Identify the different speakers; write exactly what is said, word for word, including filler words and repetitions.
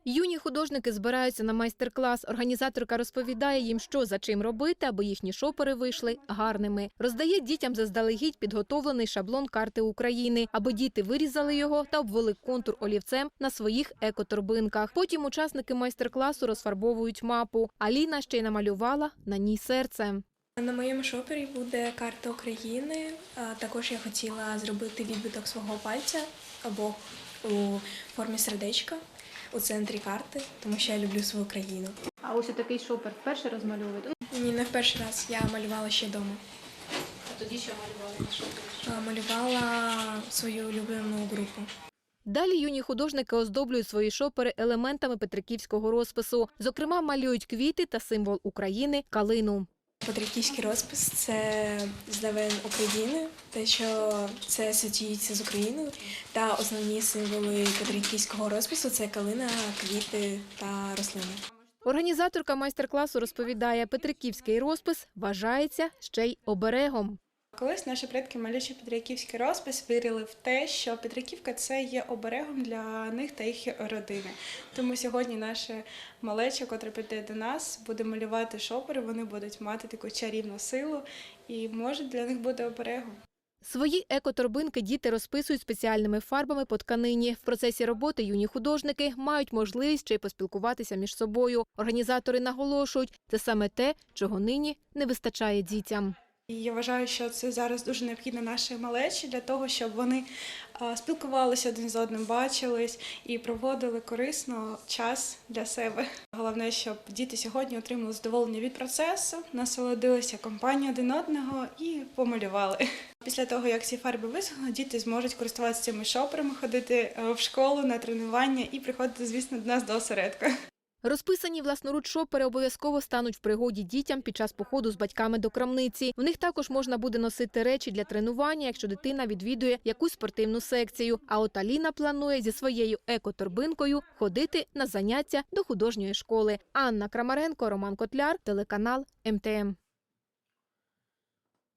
Speaker 1: Юні художники збираються на майстер-клас. Організаторка розповідає їм, що за чим робити, аби їхні шопери вийшли гарними. Роздає дітям заздалегідь підготовлений шаблон карти України, аби діти вирізали його та обвели контур олівцем на своїх екоторбинках. Потім учасники майстер-класу розфарбовують мапу. Аліна ще й намалювала на ній серце.
Speaker 2: На моєму шопері буде карта України. Також я хотіла зробити відбиток свого пальця або у формі сердечка у центрі карти, тому що я люблю свою країну.
Speaker 1: А ось такий шопер вперше розмальовуєте?
Speaker 2: Ні, не в перший раз. Я малювала ще вдома.
Speaker 1: А тоді що малювали на шопері?
Speaker 2: Малювала свою улюблену групу.
Speaker 1: Далі юні художники оздоблюють свої шопери елементами петриківського розпису. Зокрема, малюють квіти та символ України – калину.
Speaker 2: Петриківський розпис – це знамен України, те, що це асоціюється з Україною. Та основні символи петриківського розпису – це калина, квіти та рослини.
Speaker 1: Організаторка майстер-класу розповідає, петриківський розпис вважається ще й оберегом.
Speaker 3: Колись наші предки, малюючи петриківський розпис, вірили в те, що Петриківка – це є оберегом для них та їх родини. Тому сьогодні наша малеча, котра піде до нас, буде малювати шопери, вони будуть мати таку чарівну силу і може для них бути оберегом.
Speaker 1: Свої екоторбинки діти розписують спеціальними фарбами по тканині. В процесі роботи юні художники мають можливість ще й поспілкуватися між собою. Організатори наголошують, це саме те, чого нині не вистачає дітям.
Speaker 3: І я вважаю, що це зараз дуже необхідно нашій малечі для того, щоб вони спілкувалися один з одним, бачились і проводили корисно час для себе. Головне, щоб діти сьогодні отримали задоволення від процесу, насолодилися компанією один одного і помалювали. Після того, як ці фарби висохнуть, діти зможуть користуватися цими шоперами, ходити в школу на тренування і приходити, звісно, до нас до осередку.
Speaker 1: Розписані власноруч шопери обов'язково стануть в пригоді дітям під час походу з батьками до крамниці. В них також можна буде носити речі для тренування, якщо дитина відвідує якусь спортивну секцію. А от Аліна планує зі своєю екоторбинкою ходити на заняття до художньої школи. Анна Крамаренко, Роман Котляр, телеканал ем те ем.